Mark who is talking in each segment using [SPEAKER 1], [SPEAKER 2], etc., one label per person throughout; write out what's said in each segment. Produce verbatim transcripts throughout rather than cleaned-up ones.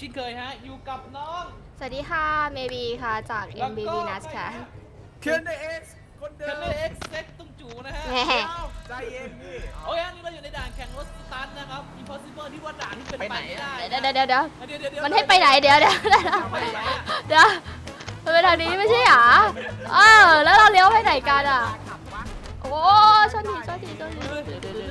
[SPEAKER 1] ช่นเคยฮะอยู่กับน้อง
[SPEAKER 2] สวัสดีค่ะเมบีค่ะจาก เอ็ม บี บี นัส ค่ะ
[SPEAKER 3] เคนเอ็กซ์คนเดิ
[SPEAKER 1] เคน
[SPEAKER 3] ม
[SPEAKER 1] เนอร์เอ็กซ์เซ็กตุ้งจูนะฮะ
[SPEAKER 2] แหม
[SPEAKER 3] ใจเย็นพี่
[SPEAKER 1] โอ้ยอันนี้เราอยู่ในด่านแข่งรถสตันนะครับ impossible ที่ว่าด่านที่เป็นไปไม่ได้
[SPEAKER 2] เดี๋ยวเดี๋ยวเดี๋ยวเดี๋ยว
[SPEAKER 1] เดี๋ยวเดี๋ยวเดี๋ยว
[SPEAKER 2] มันให้ไปไหนเดี๋ยวเดี๋ยวเดี๋ยว
[SPEAKER 1] ไปไหนอะ
[SPEAKER 2] เดี๋ยวมันไปทางนี้ไม่ใช่หรอเออแล้วเราเลี้ยวไปไหนกันอ่ะ
[SPEAKER 3] ขับวะ
[SPEAKER 2] โอ้ชนทีชนทีชนที
[SPEAKER 1] เดี๋ยวเดี๋ยวเดี๋ยวเดี๋ยว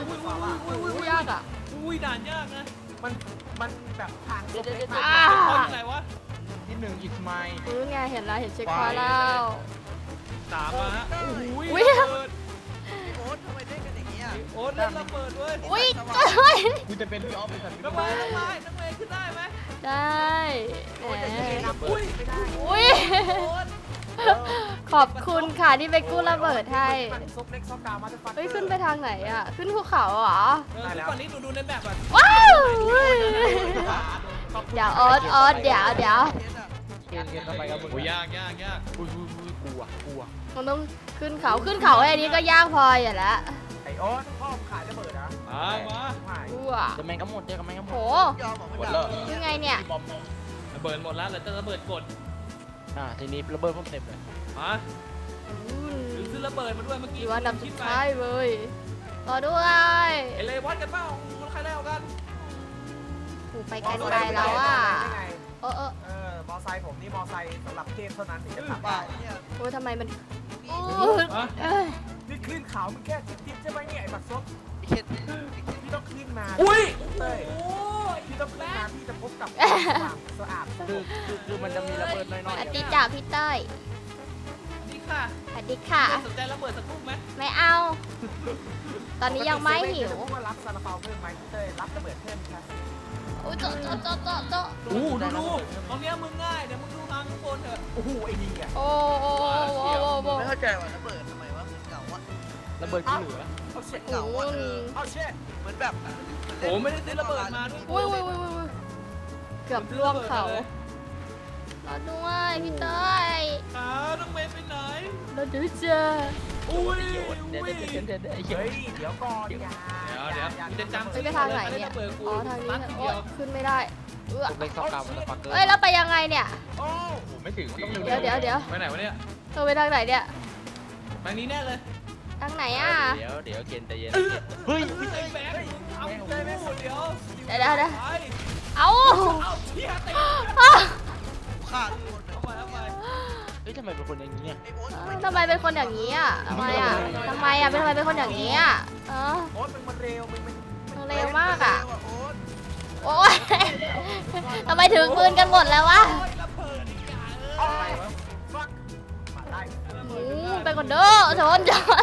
[SPEAKER 2] ยากอ่ะ
[SPEAKER 1] อุ้ยด่านยากนะ
[SPEAKER 3] มันมันแบบทางเล็ก
[SPEAKER 2] อ่า
[SPEAKER 1] คนที่ไหนวะ
[SPEAKER 3] ที่หนึ่งอิสไมล์
[SPEAKER 2] รู้ไงเห็นแล้วเห็นเช็คพอยต์แล้ว
[SPEAKER 1] สามมาฮะอุ้ย
[SPEAKER 2] อุ๊ย
[SPEAKER 1] ระเบิด
[SPEAKER 4] โอ๊ตทำไมเล่นกันอย่างเงี้ย
[SPEAKER 1] โอ๊ตเล่นระเบิดเว้ย
[SPEAKER 2] อุ้ยเฮ้ย
[SPEAKER 3] กูจะเป็นพี่ออฟเป็นสัตว์
[SPEAKER 1] น้องไม้น้องไม้น้องไม้ขึ้นได้ไหม
[SPEAKER 2] ได้แหม
[SPEAKER 1] อุ้ย
[SPEAKER 3] ไม่ได้
[SPEAKER 2] อุ้ย
[SPEAKER 1] โอ๊ต
[SPEAKER 2] ขอบคุณค่ะที่ไปกู้ระเบิดให้
[SPEAKER 3] ซบเล็กซบกามาจะฟัน
[SPEAKER 2] เฮ้ยขึ้นไปทางไหนอ่ะขึ้นภูเขาเหรอ
[SPEAKER 1] เออทุกวันนี้หนูดูในแบบอ่ะ
[SPEAKER 2] ว้าวเดี๋ยวออสออสเดี๋ยวเดี๋ยว
[SPEAKER 4] เล่นอะ
[SPEAKER 3] เคนเคนทำไมครับมึง
[SPEAKER 1] โอ้ยยากยากยาก
[SPEAKER 3] อุ้ยอุ้ยอุ้ยกลัวกลัว
[SPEAKER 2] มันต้องขึ้นเขาขึ้นเขาไอ้นี้ก็ยากพออยู่แล้ว
[SPEAKER 3] ไอโอ๊ตพ่อมขายระเบิดนะ
[SPEAKER 1] มามา
[SPEAKER 3] หาย
[SPEAKER 2] อู้ว
[SPEAKER 5] จะแมงก็หมดเจอกับแมงก็หม
[SPEAKER 2] โห
[SPEAKER 5] ด
[SPEAKER 4] ยอมบอก
[SPEAKER 5] หม
[SPEAKER 4] ไม่
[SPEAKER 5] ด
[SPEAKER 4] ได้
[SPEAKER 5] แล้ว
[SPEAKER 2] ยังไงเนี่ย
[SPEAKER 5] บอม
[SPEAKER 1] ระเบิดหมดแล้วเหลือแต่ระเบิดกด
[SPEAKER 5] อ่าทีนี้ระเบิดเพิ่มเต็มเลย
[SPEAKER 1] มา หรือซื้อระเบิดมาด้วยเมื่อกี้
[SPEAKER 2] อยู่อันดับสุดท้ายเลยรอด้วย
[SPEAKER 1] เอเลวัดกันเปล่าใครได้เอากัน
[SPEAKER 2] โหไปไกลไปแล้วอ่ะเออเออ
[SPEAKER 3] เออมอไซค์ผมนี่มอไซค์สำหรับเทพเท่านั้นถึงจะขับ
[SPEAKER 4] บ้า
[SPEAKER 3] ได้
[SPEAKER 4] เนี่ย
[SPEAKER 2] โอ้ยทำไมมัน
[SPEAKER 4] นี่
[SPEAKER 2] อู้เอ้ย
[SPEAKER 3] นี่ขึ้นเขามึงแค่ทิปๆใช่ไหมเนี่ยไอ้บักซบ
[SPEAKER 4] ไอ้เคน
[SPEAKER 3] พี่ต้องขึ้นมา
[SPEAKER 1] อุ้ย
[SPEAKER 3] เต้ย
[SPEAKER 1] โอ้ย
[SPEAKER 3] พี่ต้องขึ้นมาพี่จะพบกับความสะอาด
[SPEAKER 5] คือคือคือมันจะมีระเบิดน้อย
[SPEAKER 2] อติจ่าพี่เต้ย
[SPEAKER 1] นี่ค่ะ
[SPEAKER 2] สวัสดีค่ะ
[SPEAKER 1] สนใจระเบิดสักลูกไหม
[SPEAKER 2] ไม่เอา ตอนนี้ยังไม่หิว
[SPEAKER 3] ว่ารับซาลาเปาเพิ่มไหมเต้ยรับระเบิดเพิ่มครับ
[SPEAKER 2] อุ้ยโจ๊ะโจ๊ะโจ๊ะโจ๊ะโจ๊ะ
[SPEAKER 1] โอ้ดูดูตรงเนี้ยมึงง่ายเดี๋ยวมึงดูทางข้างบนเถอะ
[SPEAKER 3] โอ้โหไอ้นี่อ่ะ
[SPEAKER 2] โอ้โอ้โอ้โอ้โอ้โอ้
[SPEAKER 4] ไม่เข้าใจว่าระเบิดทำไมวะเหมือนเก่าวะ
[SPEAKER 5] ๆระเบิดที่เหลือ
[SPEAKER 3] เอาเช็ด
[SPEAKER 4] เก่าวะเออ
[SPEAKER 3] เอาเช็ด
[SPEAKER 4] เหมือนแบบ
[SPEAKER 1] โอ้ไม่ได้ซื้อระเบิดมาด้วย
[SPEAKER 2] อุ้ยอุ้ยอุ้ยอุ้ยเกือบล่วงเขารอด้วยพี่เต้ย
[SPEAKER 1] ขาน้องเมย์ไปไหน
[SPEAKER 2] เราดูเจอ
[SPEAKER 1] อุ้ย
[SPEAKER 5] เดี๋ยว
[SPEAKER 1] อุ้
[SPEAKER 5] เดี๋ยวย เดี๋ยวเดี๋ยวเดี๋ยวไอ้เหี้ย
[SPEAKER 3] เฮ้ยเดี๋ยวก่อนอย่า
[SPEAKER 1] เดี๋ยวเดี๋ยวจะจำ
[SPEAKER 2] เฮ้ยไปทางไหนเนี่ย อ๋อทางนี้
[SPEAKER 1] ตัด
[SPEAKER 2] นะ
[SPEAKER 1] ที
[SPEAKER 2] โอ้
[SPEAKER 1] เดียว
[SPEAKER 2] ขึ้นไม่ได้เออ
[SPEAKER 5] ผมเล็กซอกกาวมันจะฟักเกอร์
[SPEAKER 2] เอ้ยแล้วไปยังไงเนี่ย
[SPEAKER 3] โอ้
[SPEAKER 5] โอ้ไม่ถึงมันต้อง
[SPEAKER 2] เดี๋ยวเดี๋ยวเดี๋ยว
[SPEAKER 1] ไปไหนวะเนี่ย
[SPEAKER 2] เธอไปทางไหนเนี่ย
[SPEAKER 1] ทางนี้แน่เลย
[SPEAKER 2] ทางไหนอ่ะ
[SPEAKER 5] เดี๋ยวเดี๋ยวเกณฑ์ใจเย็นเฮ้ย
[SPEAKER 1] ไอ้แบงค์เอาเลยแม่เดี๋ยว
[SPEAKER 2] เดี๋ยวเดี๋ยวเดี๋ยว
[SPEAKER 1] ไป
[SPEAKER 2] เอา
[SPEAKER 1] เอาเที่ยเตะ
[SPEAKER 2] อ้าว
[SPEAKER 4] ขาดคน
[SPEAKER 1] เอาไปเอาไป
[SPEAKER 5] เฮ้ยทำไมเป็นคนอย่างนี้อ่ะ
[SPEAKER 4] ไอ้โอ๊ต
[SPEAKER 2] ทำไมเป็นคนอย่างนี้อ่ะทำไมอ่ะทำไมอ่ะเป็นทำไมเป็นคนอย่างนี้อ่ะเออ
[SPEAKER 3] โอ๊ตมึงมันเร็วมึงมัน
[SPEAKER 2] มันเร็วมากอ่ะ
[SPEAKER 4] โอ๊ต
[SPEAKER 2] โอ้ยทำไมถึงปืนกันหมดแล้ววะ
[SPEAKER 1] โอ้ยระเบิดอีกอย่างเอ
[SPEAKER 3] เอา
[SPEAKER 1] อ
[SPEAKER 3] ไปวะฟักมาได้
[SPEAKER 2] อืมไปก่อนเด้อชนชน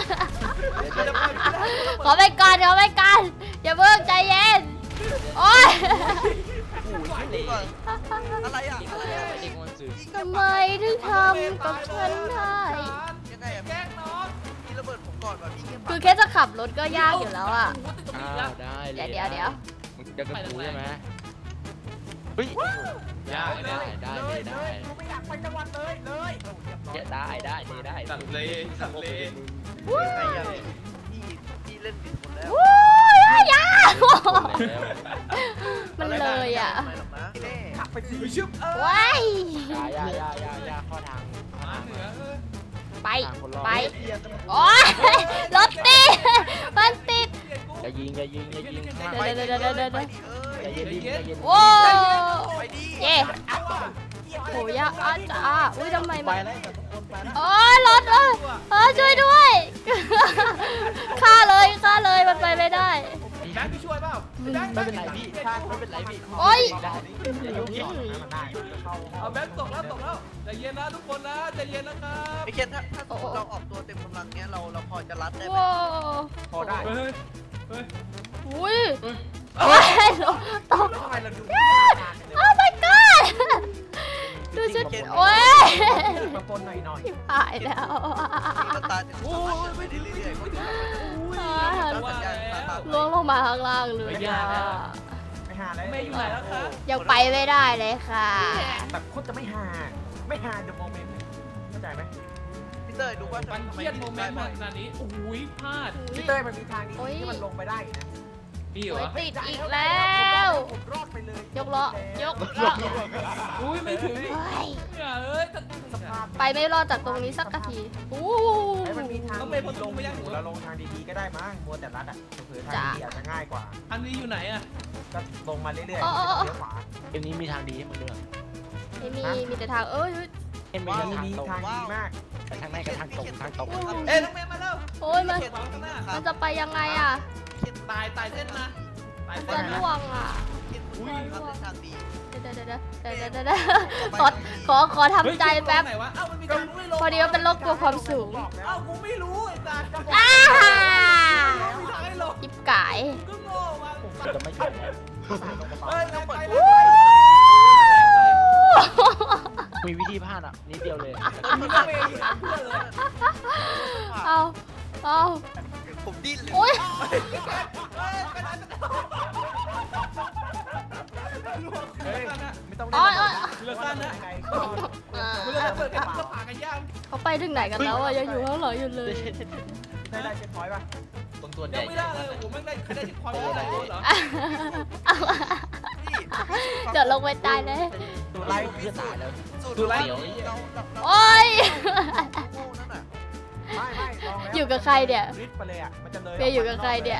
[SPEAKER 2] ขอไปก่อนขอไปก่อนอย่าเพิ่งใจเย็นโอ้ย
[SPEAKER 4] ก่อนอะไรอ่ะอะไรอ่ะ
[SPEAKER 5] เด็กมันสื่อ
[SPEAKER 2] ทำไมถึงทำกับฉันได้
[SPEAKER 4] ยังไงอ่ะ
[SPEAKER 1] แกล้งน้อง
[SPEAKER 4] พี่ระเบิดผมก่อนแบบพี่เงียบ
[SPEAKER 2] คือแค่จะขับรถก็ยากอยู่แล้วอ่ะ
[SPEAKER 5] อ้าวได้เลย
[SPEAKER 2] เดี๋ยวเดี๋ยวเดี๋ยว
[SPEAKER 5] มึงจะกระปูใช่ไหมเฮ้ย
[SPEAKER 1] ยาก
[SPEAKER 5] ได้ได้ได้ได้
[SPEAKER 3] กูไม่อยากไปจังหวัดเลยเลยเรียบร้อย
[SPEAKER 5] ได้ได้ได้ได้
[SPEAKER 1] สัตว์เลยสัตว์เลย
[SPEAKER 4] ยังไงอ่ะพี่พี่เล่นผิดคนแล้ว
[SPEAKER 2] วู้ยยาก
[SPEAKER 5] แล้ว
[SPEAKER 2] มันเลยอ่ะ
[SPEAKER 4] ไม่หรอกนะพี่เล่
[SPEAKER 3] ขับไปสิ
[SPEAKER 1] ชึบเออ
[SPEAKER 2] ว้าย
[SPEAKER 5] ยายายายายาเข้อทาง
[SPEAKER 1] มาเหนือเออ
[SPEAKER 2] ไป
[SPEAKER 5] ทางคนรอด
[SPEAKER 2] ไป โอ๊ยรถติดมันติด
[SPEAKER 5] อย่ายิงอย่ายิงอย่ายิงข้าง
[SPEAKER 2] เดี๋ยวเดี๋ยวเดี๋ยวเดี๋ยวเดี๋ยว
[SPEAKER 4] ไปดิเอ้ย
[SPEAKER 5] อย่าเย็นดิอย่าเย็น
[SPEAKER 2] โอ้
[SPEAKER 4] ไปดิ
[SPEAKER 2] เย่โหยากอาจ้าอุ้ยทำไม
[SPEAKER 5] ไป
[SPEAKER 2] มัน
[SPEAKER 5] แล้วแต่ทุกคนไปแล้ว
[SPEAKER 2] โอ้ยรถเออเออช่วยด้วยฆ่าเลยฆ่าเลยมันไปไม่ได้
[SPEAKER 1] แบงค์พี่ช่วยเปล่า
[SPEAKER 5] ไม่เป็นไรพี่ไม่เป็นไรพี่
[SPEAKER 2] โอ๊ย
[SPEAKER 5] ได้
[SPEAKER 3] อย่ายุ่งสอนนะมันได้เข้า
[SPEAKER 1] เอาแบงค์ตกแล้วตกแล้วใจเย็นนะทุกคนนะใจเย็นนะครับ
[SPEAKER 4] ไอ้เคนถ้าถ้าสมมติเราออกตัวเต็มกำลังเนี้ยเราเราพอจะรัดได้ไหม
[SPEAKER 2] ว้า
[SPEAKER 3] พอได้
[SPEAKER 1] เฮ้ยเฮ้ย
[SPEAKER 2] อุ้ยโอ้ยตก
[SPEAKER 3] แล้วทำไมเราดู
[SPEAKER 2] โอ้ my god ดูชุดโอ้ย
[SPEAKER 3] บางคนหน่อยหน่อย
[SPEAKER 2] หายแล้ว
[SPEAKER 4] มีสตาร์ทโอ้ยไปเรื่อยๆก็ถึง
[SPEAKER 1] ว่าแล้ว
[SPEAKER 2] ล่วงลงมาข้างล่างเลยอ่ะ
[SPEAKER 3] ไม่หาแล้ว
[SPEAKER 1] ไม่อยู่ไหนแล้วคะ
[SPEAKER 2] ยังไปไม่ได้เลยค่ะ
[SPEAKER 3] แบบโคตรจะไม่หาไม่หาเดอะโมเมนต์เข้าใจไหม
[SPEAKER 4] พี่เต้ยดูว่า
[SPEAKER 1] มันเครียดโมเมนต์ขนาดนี้โอ้ยพลาด
[SPEAKER 3] พี่เต้ยมันมีทางนี้ที่มันลงไปได้นะ
[SPEAKER 1] พี่เหร
[SPEAKER 2] โอ้ย
[SPEAKER 1] อ
[SPEAKER 2] ติดอีกแล้ว
[SPEAKER 3] ผมรอดไปเลย
[SPEAKER 2] ยกล้อยกล้อ
[SPEAKER 1] อุ้ยไม่ถึง
[SPEAKER 2] เฮ้ย
[SPEAKER 1] เนี่ยเอ้ยจะ
[SPEAKER 3] สภาพ
[SPEAKER 2] ไปไม่รอดจากตรงนี้สักนาทีอู้
[SPEAKER 3] ไอ้มันมีทาง
[SPEAKER 1] ต้องไปพอลงไม่ยัง
[SPEAKER 3] เราลงทางดีๆก็ได้มั้งมัวแต่รัดอ่ะเผื่อทางดีอาจจะง่ายกว่า
[SPEAKER 1] อันนี้อยู่ไหนอะ
[SPEAKER 3] ก็ลงมาเรื่อยๆเลี้ยวขวา
[SPEAKER 5] เกมนี้มีทางดีให้มึงเลือก
[SPEAKER 2] ไม่มีมีแต่ทางเอ้ย
[SPEAKER 5] เอ็มมี
[SPEAKER 3] ว่า
[SPEAKER 5] ทั้ง
[SPEAKER 3] มี
[SPEAKER 5] ทางตรง
[SPEAKER 3] ทางดีมาก
[SPEAKER 5] แต่ทางในกับทางตรงทางตรง
[SPEAKER 1] เอ้ยน้องเมย์มาแล้ว
[SPEAKER 2] โอ้ยมัน
[SPEAKER 1] เขียนขวางข้างหน้า
[SPEAKER 2] มันจะไปยังไงอ่ะ
[SPEAKER 1] ตายตายเส้นนะตาย
[SPEAKER 2] มัน
[SPEAKER 1] เส้
[SPEAKER 2] จะ
[SPEAKER 1] นนะ
[SPEAKER 2] ล่วงอ่ะ
[SPEAKER 4] อุ้ยครับเส้นทางดี
[SPEAKER 2] เดี๋ยวเดี๋ยวเดี๋ยวเดี๋ยวเดี๋ยวเดี๋ยวเดี๋ยวขอขอขอทำใจแป๊บ
[SPEAKER 1] ไหนวะเอ้ามันมีการไม่ลง
[SPEAKER 2] พอดีว่าเป็นโรคกลัวความสูง
[SPEAKER 3] บอกแล้ว
[SPEAKER 1] เอ้ากูไม่รู้ไอ้สัตว์
[SPEAKER 2] อ้า
[SPEAKER 1] มีทางให้ลง
[SPEAKER 2] จิบกาย
[SPEAKER 1] ก็โง่มา
[SPEAKER 5] จะไม่ช่วย
[SPEAKER 1] เฮ้ยไปไป
[SPEAKER 5] มีวิธีพลาดอ่ะนิดเดียวเลย
[SPEAKER 1] น้องเมย์หาเพื่อนเลย
[SPEAKER 2] เอาเอา
[SPEAKER 4] ผมดิ้นเลย
[SPEAKER 2] โอ้ย
[SPEAKER 3] เฮ้ยไม่ต้อง
[SPEAKER 2] โอ้ยโอ้ย
[SPEAKER 1] เลือกกันนะ
[SPEAKER 3] ไกล
[SPEAKER 2] อ่า
[SPEAKER 1] เลือกเปิดกันก็ผ่ากันยาก
[SPEAKER 2] เขาไปถึงไหนกันแล้วอ่ะยังอยู่ข้างหลังอยู่เลย
[SPEAKER 3] ได้ได้เช็คพอยต์ป่ะ
[SPEAKER 5] ตรงตัว
[SPEAKER 1] ยั
[SPEAKER 5] ใหญ่
[SPEAKER 1] งไม่ได้เลยผมไม่ได้ใครได้ที่ความรู้อะไรเหรอ
[SPEAKER 2] เดี๋ยวลงไปตายเลย
[SPEAKER 3] ตัว
[SPEAKER 5] ไล่
[SPEAKER 3] ไล่
[SPEAKER 5] เพื่อตายแล้ว
[SPEAKER 4] สูตร
[SPEAKER 5] ดูไล่
[SPEAKER 4] เราเราเรา
[SPEAKER 2] โอ้ย
[SPEAKER 4] โง่นั่นน่ะ
[SPEAKER 3] ไม่ไม่ลองแล้ว
[SPEAKER 2] อยู่กับใครเนี่ย
[SPEAKER 3] ริดไปเลยอ่ะมันจะเลย
[SPEAKER 2] เมย์อยู่กับใครเนี่ย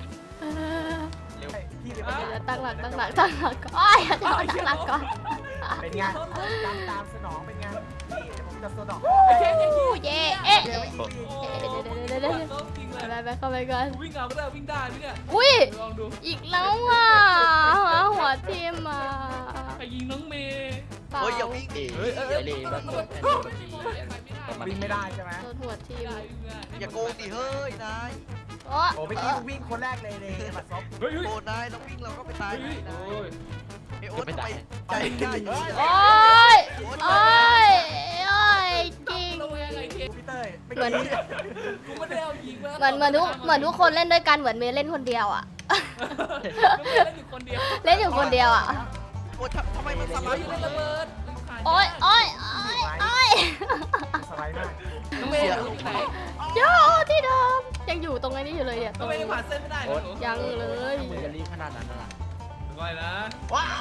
[SPEAKER 3] พี่เลย
[SPEAKER 2] เดี๋ยวตั้งหลักตั้งหลักตั้งหลักก่อนโอ้ยตั้งหลักก่อน
[SPEAKER 3] เป็นไงตามตามสนองเป็นไงนี่เดี๋ยวผมจะสนอง
[SPEAKER 1] ไอ้แค่ไอ้
[SPEAKER 2] อู้
[SPEAKER 1] แค่
[SPEAKER 2] เย่เอ๊ะ
[SPEAKER 3] เดี๋ยวไม่ดี
[SPEAKER 2] เดี๋ยวเดี๋ยวเดี๋ยวเดี๋ยวเดี๋ยว
[SPEAKER 1] จริงเลย
[SPEAKER 2] ไปไปเข้าไปก่อน
[SPEAKER 1] วิ่งเอาก็ได้วิ่งได้ไหมเนี่ย
[SPEAKER 2] อุ้ย
[SPEAKER 1] ลองดู
[SPEAKER 2] อีกแล้วอ่ะหัวทีมอ่ะ
[SPEAKER 1] ใครยิงน้องเมย์
[SPEAKER 2] เปล่า
[SPEAKER 4] เฮ้ยอย่าวิ่งดิ
[SPEAKER 5] เฮ้ยเฮ้ยเลยแบบแอนโดนที
[SPEAKER 3] วิ่งไม่ได้ใช่ไหม
[SPEAKER 2] โดนหัวทีม
[SPEAKER 4] อย่าโกงดิเฮ้ยนาย
[SPEAKER 2] โอ้
[SPEAKER 3] โอ้เมื่อกี้วิ่งคนแรกเลยเลยบัดซบ
[SPEAKER 1] เฮ้ยเฮ้ย
[SPEAKER 4] โกงนายเราวิ่งเราก็ไปตาย
[SPEAKER 1] เฮ้ย
[SPEAKER 4] นาย
[SPEAKER 1] โอ้ย
[SPEAKER 4] ไอโอ๊ตทำไมใจง่ายอยู่
[SPEAKER 2] โอ้ยโอ้ยโอ้ยจริง
[SPEAKER 1] ลงยังไงเคน
[SPEAKER 3] พี่เต้ย
[SPEAKER 2] เหมือน
[SPEAKER 1] กูไม่ได้เอายิงมา
[SPEAKER 2] เหมือนเหมือนทุกเหมือนทุกคนเล่นด้วยกันเหมือนเมย์เล่นคนเดียวอ่ะ
[SPEAKER 1] น้องเมย์เล่นอยู่คนเดียว
[SPEAKER 2] เล่นอยู่คนเดียวอ่ะ
[SPEAKER 4] โอ๊ตทำไมมันสไล
[SPEAKER 1] เฮ้ย
[SPEAKER 4] ด์อยู่
[SPEAKER 1] เล่น
[SPEAKER 4] เล
[SPEAKER 1] ระ
[SPEAKER 4] ย
[SPEAKER 1] เบิด
[SPEAKER 2] โอ้ยโอ้ยโอ้ยโอ้ย
[SPEAKER 3] สไลด์มาก
[SPEAKER 1] น้องเมย์อยู่ไหน
[SPEAKER 2] โยที่เดิมยังอยู่ตรงนี้อยู่เลยเนี่ยต
[SPEAKER 1] น้
[SPEAKER 2] ร
[SPEAKER 1] อง
[SPEAKER 2] ง
[SPEAKER 1] เมย์ยังผ่านเส้นไม่ได้เหรอหนู
[SPEAKER 2] ยังเลย
[SPEAKER 5] มึงจะรีบขนาดนั้นล่ะ
[SPEAKER 1] ไม่นะ
[SPEAKER 3] ว้าว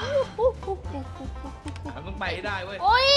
[SPEAKER 1] มันต้องไปให้ได้เว้ย
[SPEAKER 2] โอ้ย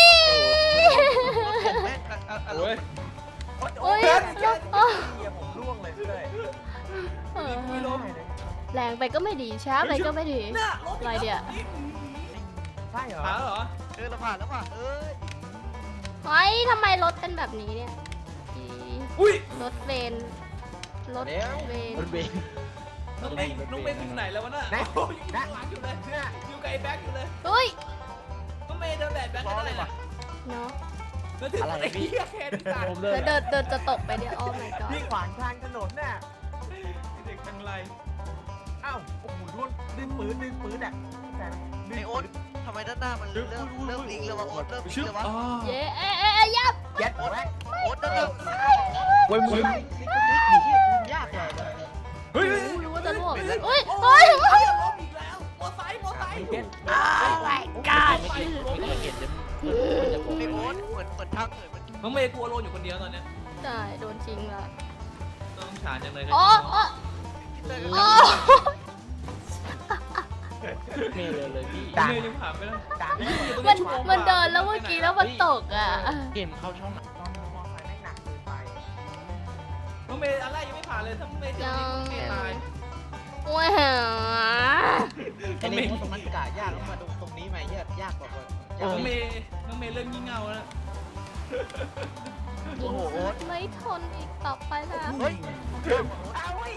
[SPEAKER 4] แม่งอะอะอะ
[SPEAKER 1] โอ้ย
[SPEAKER 2] โอ้ย
[SPEAKER 3] เฮียผมร่วงเลยพี่เต้ย
[SPEAKER 2] เออ
[SPEAKER 1] ไม่ล้ม
[SPEAKER 2] แรงไปก็ไม่ดีช้าไปก็ไม่ดี
[SPEAKER 1] เนี่ยรถ
[SPEAKER 2] อะไรเนี่ย
[SPEAKER 3] ใช่เหรอ
[SPEAKER 1] ผ่านแล้วเหรอ
[SPEAKER 4] เออเราผ่านแล้วผ่านเอ้ย
[SPEAKER 2] เฮ้ยทำไมรถเป็นแบบนี้เนี่ยอี
[SPEAKER 1] อุ้ย
[SPEAKER 2] รถเวนรถเวน
[SPEAKER 5] รถเบง
[SPEAKER 1] น้องเมย์น้องเมย์อยู่ไหนแล้ววะน่ะอยู่ข้างหลังอยู่เลย
[SPEAKER 3] เนี่ย
[SPEAKER 1] อยู่กับไอ้แบ็คอยู่เลย
[SPEAKER 2] เฮ้ย
[SPEAKER 1] น้องเมย์เดินแบบแบ็คได้เลย
[SPEAKER 2] เนาะ
[SPEAKER 1] แล้วถึงไอ้เหี้ยแค่ที่ตาย
[SPEAKER 5] ผมเล
[SPEAKER 2] เดี๋ย
[SPEAKER 5] ยว
[SPEAKER 2] เดินเดินจะตกไปเนี่ยโอ้ my god
[SPEAKER 3] พี่ขวางทางถนนน่ะ
[SPEAKER 1] เด็กทางไร
[SPEAKER 3] อ้าวโอ้โหร่วงดึงปืนดึงปืนอ่ะแต่
[SPEAKER 4] ไอโอ๊ตทำไมด้านหน้ามันเริ่มเริ่มลิงแล้ววะโอ๊ตเริ่มลิงแล้ววะ
[SPEAKER 2] เย้เอ๊ะเอ๊ะเอ๊ะยับ
[SPEAKER 3] เย็ดแม็ก
[SPEAKER 4] โอ๊ตด้านหน้า
[SPEAKER 5] เว้ยมึงยากเลย
[SPEAKER 1] เฮ้ย
[SPEAKER 2] รู้ว่าจะล่วงเฮ้ยเฮ้ยเฮ้ย
[SPEAKER 1] ล้มอีกแล้วมอไซค์มอไซค์
[SPEAKER 3] เย็ด
[SPEAKER 2] โอ้ my god
[SPEAKER 5] ไม่กินไม่กินเดี๋ยวมันจะโกง
[SPEAKER 4] ไอโอ๊ตเหมือนเหมือนทางเหมือนมัน
[SPEAKER 1] น้องเมย์กลัวโลนอยู่คนเดียวตอนเนี้ย
[SPEAKER 2] ใช่โดนจริงละ
[SPEAKER 1] ต้องฉานจังเลย
[SPEAKER 2] โอ้โอ้
[SPEAKER 4] พี่เต้ย
[SPEAKER 2] โอ้
[SPEAKER 5] เมย์เลยเลยพี่
[SPEAKER 1] น้องเมย์ยังผ่านไม่ได้
[SPEAKER 3] ด่าน
[SPEAKER 2] มันมันเดินแล้วเมื่อกี้แล้วมันตกอ่ะ
[SPEAKER 5] เกมเข้าช่องไหน
[SPEAKER 3] ต้องมองไปแม่งหนักเกินไป
[SPEAKER 1] น้องเมย์อะไรยังไม่ผ่านเลยถ้าน้องเมย์เจอนี่น้องเมย์ตาย
[SPEAKER 2] ว้าว
[SPEAKER 5] ไอ้นี่ตรงนั้นกะยากแล้วมาตรงนี้ไหมยากยากกว่า
[SPEAKER 1] น้องเมย์น้องเมย์เริ่มงี่เง่าแล้ว
[SPEAKER 4] โอ้โหโอ๊ต
[SPEAKER 2] ไม่ทนอีกต่อไปแล้ว
[SPEAKER 4] เฮ้ย
[SPEAKER 3] เอาไอ้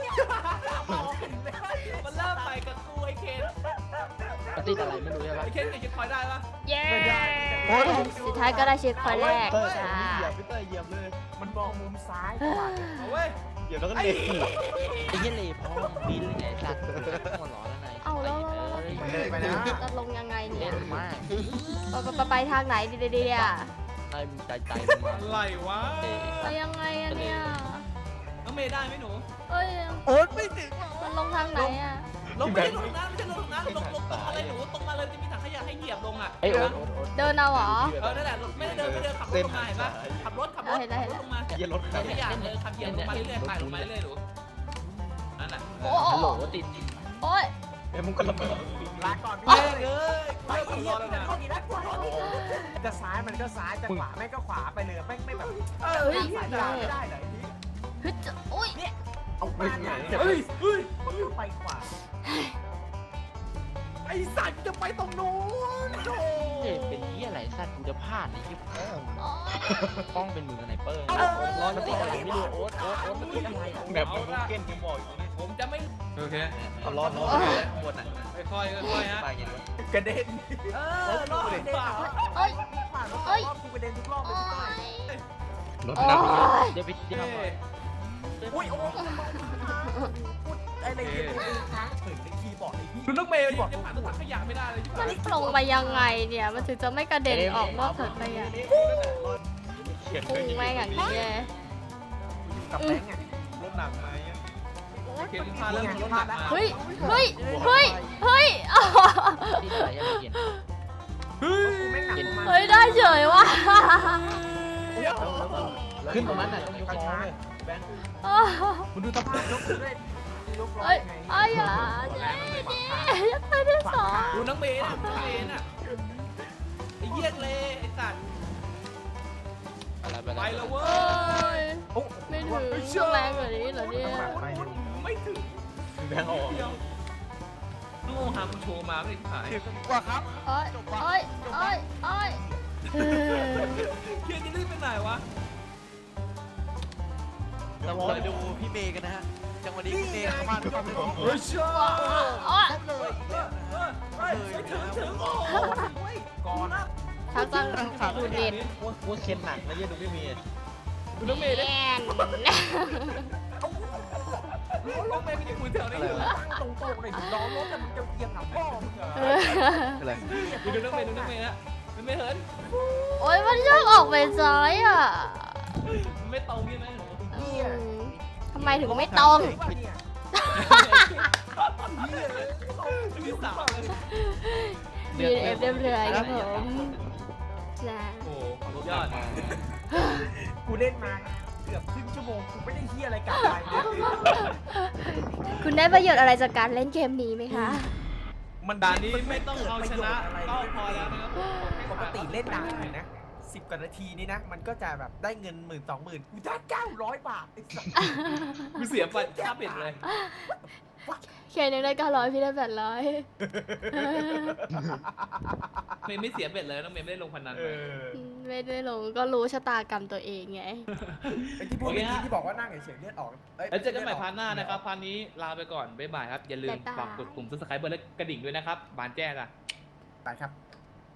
[SPEAKER 1] มันเริ่มไปกับกูไอ้เคน
[SPEAKER 5] ปฏิอะไรไม่รู้ใช่ปะ
[SPEAKER 1] ไอ้เคนเก็บคอยได้ปะ
[SPEAKER 2] เย้สุดท้ายก็ได้เช็คพอยต์แรกจ้า
[SPEAKER 5] พี่เตอร์เหยียบเลย
[SPEAKER 3] มันมองมุมซ้ายขวา
[SPEAKER 1] เอาเว้ย
[SPEAKER 5] เหยียบแล้วก็เลยไอ้เหี้ยเลยพ่อบินไงสัตว์หัวร้อนแล้วไหน
[SPEAKER 2] เอาแล้วแล้ว
[SPEAKER 3] เลยไปนะ
[SPEAKER 2] จะลงยังไง
[SPEAKER 5] เล่
[SPEAKER 2] เนี่ย
[SPEAKER 5] นมาก
[SPEAKER 2] ไปไปไปทางไหนดีดีดีอ่ะ
[SPEAKER 5] ไอ้ใจใจมา
[SPEAKER 1] อะไรวะ
[SPEAKER 2] ไปยังไงอะเนี่ย
[SPEAKER 1] น้องเมย์ได้ไหมหนู
[SPEAKER 2] เอ้ย
[SPEAKER 4] โอ๊ตไม่ถึง
[SPEAKER 2] มันลงทางไหนอ่ะ
[SPEAKER 1] ลงไม่ใช่ลงน้ำไม่ใช่ลงน้ำลงลงตรงมาเลยหนูตรงมาเลยจะมีถังขยะให้เหยียบลงอ่ะ
[SPEAKER 5] ไอ้โอ๊ต
[SPEAKER 2] เดินเอาเหรอ
[SPEAKER 1] เออนั่นแหละไม่ได้เดินไม่เดินขับรถลงมาเห็นปะขับรถขับรถขับรถลงมา
[SPEAKER 5] เหี้ยรถ
[SPEAKER 1] ถังขยะเลยขับเหยียบลงมาเรื่อยๆไต่ลงมาเรื่อยๆหนูนั่นแหละ
[SPEAKER 2] โอ้
[SPEAKER 5] ฮัลโหลติด
[SPEAKER 2] โอ้ย
[SPEAKER 5] เอ้ยมึงก็ระเบิด
[SPEAKER 3] ลาก่อนพี่
[SPEAKER 1] เฮ้ย
[SPEAKER 3] เอ้ย
[SPEAKER 1] เอ้ย
[SPEAKER 3] ไปอีกแล้วนะจะซ้ายมันก็ซ้ายจะขวาแม่งก็ขวาไปเลยแม่งไม่แบบเออสายตาไม่ได้เลยนี่
[SPEAKER 2] เฮ้ยจะโอ้ย
[SPEAKER 3] เอาไปไหน
[SPEAKER 1] เฮ้ยเฮ้ย
[SPEAKER 3] ไปขวาไอสัตว์จะไปตรงนู้นโธ่
[SPEAKER 5] เฮ้ยเป็นที่อะไรสัตว์กูจะพลาดไอ้ที่ป้อง
[SPEAKER 2] โอ้ย
[SPEAKER 5] ป้องเป็นมือสไนเปอร์ร้อนมันติดอะไรไม่รู้โอ๊ตโอ๊ตโอ๊ตมันติดอะไรแบบมึงเก้นกูบอกอยู่นี่
[SPEAKER 1] ผมจะไม่
[SPEAKER 6] โอเค
[SPEAKER 5] เอาร้อนร้อนหมดอ่ะ
[SPEAKER 6] ค่อยๆค่อยๆฮะ
[SPEAKER 5] ไปอย่างนี้
[SPEAKER 3] กระเด็นเออรอบเด็น
[SPEAKER 2] โอ้ย
[SPEAKER 3] ผ่านรอบรอบกูกระเด็นทุกรอบเล
[SPEAKER 2] โอ้
[SPEAKER 3] ย
[SPEAKER 2] ยโอ้ย
[SPEAKER 5] เดี๋ยวไปเดี๋ยว
[SPEAKER 6] เอ้ย
[SPEAKER 3] อุ้ยโอ้พูดอะไรเงี้ยค้างถึงในคีย์บอร์ดไอ้พี่
[SPEAKER 1] คุณต้องเมย์บอกจะผ่านถังขยะไม่ได้เลยใช่ไหม
[SPEAKER 2] มันลงมายังไงเนี่ย มันถึงจะไม่กระเด็นออกนอกถังขยะ
[SPEAKER 5] เขียน
[SPEAKER 2] พุ่งแม่งอย่างนี้เลย
[SPEAKER 3] กับแบงค์อ่ะ
[SPEAKER 6] รถหนักไหมเขียนพาเริ่มรถหนักมา
[SPEAKER 2] เฮ้ย เฮ้ย เฮ้ย เฮ้ยอ้าว
[SPEAKER 5] ที่อะไรยังไม่เขียน
[SPEAKER 6] เฮ้ย
[SPEAKER 3] ไม่หนักประมาณ
[SPEAKER 2] เฮ้ย ได้เฉยว่ะ
[SPEAKER 5] ขึ้นตรงนั้นน่ะต้องยกล้อเลย
[SPEAKER 2] อ้าว
[SPEAKER 3] คุณดูสภาพยกด้วยยกร้อ
[SPEAKER 2] เฮ้
[SPEAKER 3] ย
[SPEAKER 2] ย
[SPEAKER 3] ไง
[SPEAKER 2] อ้ายอ่ะเย้ดิยังไปได้สอง
[SPEAKER 1] ดูน้องเมย์นะน้องเมย์น่ะไอ้เหี้ยเลยไอ้สัตว์
[SPEAKER 5] อะไรไป
[SPEAKER 1] ไปแล้วเว้
[SPEAKER 2] เอ้
[SPEAKER 1] ย
[SPEAKER 2] ย
[SPEAKER 3] โอ้
[SPEAKER 2] ไม่ถึงต้องแรงกว่านี้เหรอเนี่ย
[SPEAKER 1] ไม่ถึง
[SPEAKER 5] แบงค์ออก
[SPEAKER 1] เดียวต้องโอฮามึงโชว์มาไม่ได้ขาย
[SPEAKER 4] ถึงกว่าครับ
[SPEAKER 2] โอ้ยโอ้ยโอ้ยโอ้ย
[SPEAKER 1] เฮียจะรีบไปไหนวะ
[SPEAKER 4] เราคอยดูพี่เมย์กันนะฮะ จังหวะนี้พี่เมย์เข้ามาด้วยความเร็ว
[SPEAKER 1] เฮ้ยเชื่อ
[SPEAKER 2] โอ้ย
[SPEAKER 4] เลยอีกแล้วนะฮะ
[SPEAKER 1] เฮ้ยไม่ถึงถึงโอ้ย
[SPEAKER 3] ก่อน
[SPEAKER 2] ชักต้องดูเด่น
[SPEAKER 5] ว่าว่าเค็มหนักนะเยี่ยดูพี่เมย์
[SPEAKER 1] ดูน้องเมย์
[SPEAKER 2] แน
[SPEAKER 1] ได้
[SPEAKER 2] น
[SPEAKER 1] น้องเมย์ไม่ได้คุยแถวนี้อยู่
[SPEAKER 3] ตั้งตรงๆเลยถึงล้อรถแต่มึงจะเอียงหลังพ่อมึงเหรอ
[SPEAKER 4] อะไร
[SPEAKER 1] ดูน้องเมย์ดูน้องเมย์นะมันไม่เหิน
[SPEAKER 2] โอ้ยมันชอบออกไปซ้ายอ่ะ
[SPEAKER 1] มันไม่ตรงใช่ไหมหนู
[SPEAKER 2] อืมทำไมถึงไม่ตรง
[SPEAKER 3] เนี่ย
[SPEAKER 1] มีสาวเลย
[SPEAKER 2] บีเอฟเรียบร้อยครับผมจ้า
[SPEAKER 1] โอ้โหยอด
[SPEAKER 3] กูเล่นมาเกือบครึ่งชั่วโมงกูไม่ได้เฮียอะไรกลับไปเลย
[SPEAKER 2] คุณได้ประโยชน์อะไรจากการเล่นเกมนี้ไหมคะ
[SPEAKER 3] มัน
[SPEAKER 1] ด่านนี้ไม่ต้องเอาชนะก็พอแล้วนะครับ
[SPEAKER 3] ปกติเล่นด่านไหนนะสิบกว่านาทีนี่นะ มันก็จะแบบได้เงินหมื่นสองหมื่นกูได้เก้าร้อยบาทไอ้สัส
[SPEAKER 1] กูเสียไปค่าปิดเลย
[SPEAKER 2] เคนยังได้เก้าร้อยพี่ได้แปดร้อย
[SPEAKER 1] เมย์ไม่เสียเบ็ดเลยน้องเมย์ไม่ได้ลงพนัน
[SPEAKER 3] เอ
[SPEAKER 1] เลย
[SPEAKER 3] อ
[SPEAKER 2] ไม่ได้ลงก็รู้ชะตากรรมตัวเองไง
[SPEAKER 3] ไอ้ที่พูดเมื่อกี้ที่บอกว่านั่งเฉยๆเลือดออก
[SPEAKER 1] แล้วเจอกันใหม่พาร์ทหน้านะครับพาร์ทนี้ลาไปก่อนบ๊ายบายครับอย่าลืมฝากกดปุ่ม ซับสไครบ์ เบอร์และกระดิ่งด้วยนะครับบานแจ้งอ่ะ
[SPEAKER 3] ไปครับ